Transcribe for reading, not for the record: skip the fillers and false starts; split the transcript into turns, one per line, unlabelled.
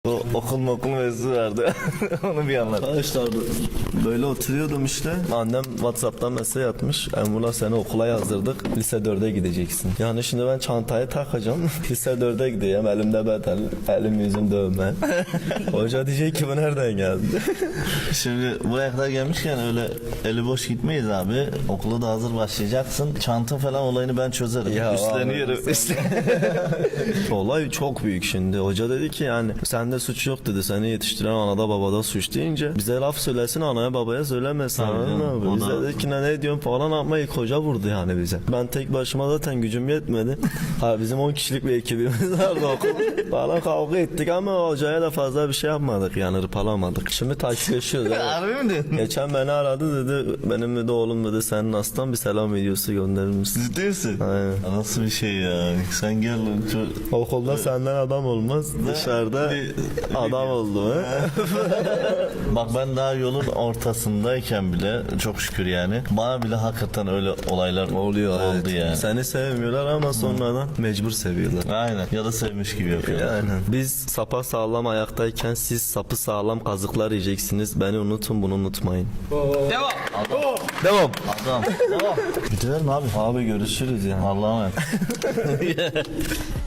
O okul mevzu vardı. Onu bir anlat.
Arkadaşlar böyle oturuyordum işte.
Annem WhatsApp'tan mesaj atmış. Emrullah seni okula yazdırdık. Lise 4'e gideceksin. Yani şimdi ben çantayı takacağım. Lise 4'e gideceğim. Elimde betel. Elim yüzüm dövme. Hoca diyecek ki bu nereden geldi?
Şimdi buraya kadar gelmişken öyle eli boş gitmeyiz abi. Okula da hazır başlayacaksın. Çanta falan olayını ben çözerim. Üstleniyorum.
Olay çok büyük şimdi. Hoca dedi ki yani sende suç yok dedi. Seni yetiştiren anada babada suç deyince bize laf söylesin anaya babaya söylemesin.
Tabii
Bize dedi ki ne diyorsun falan ama ilk hoca vurdu yani bize. Ben tek başıma zaten gücüm yetmedi. Bizim 10 kişilik bir ekibimiz vardı okulda. Falan kavga ettik ama hocaya da fazla bir şey yapmadık yani hırpalamadık. Şimdi takipleşiyoruz.
Harbi mi diyorsun?
Geçen beni aradı dedi benim dedi oğlum dedi senin aslan bir selam videosu gönderir misin?
Ciddi misin?
Aynen.
Nasıl bir şey ya? Sen gel.
Okulda senden adam olmaz. Dışarıda adam oldu.
Bak ben daha yolun ortasındayken bile çok şükür yani. Bana bile hakikaten öyle olaylar oldu
Evet.
yani.
Seni sevmiyorlar ama sonradan mecbur seviyorlar.
Aynen. Ya da sevmiş gibi yapıyorlar.
Aynen. Biz sapa sağlam ayaktayken siz sapı sağlam kazıklar yiyeceksiniz. Beni unutun bunu unutmayın.
Devam.
Devam.
Adam. Bitirelim abi.
Abi görüşürüz yani.
Allah'a emanet.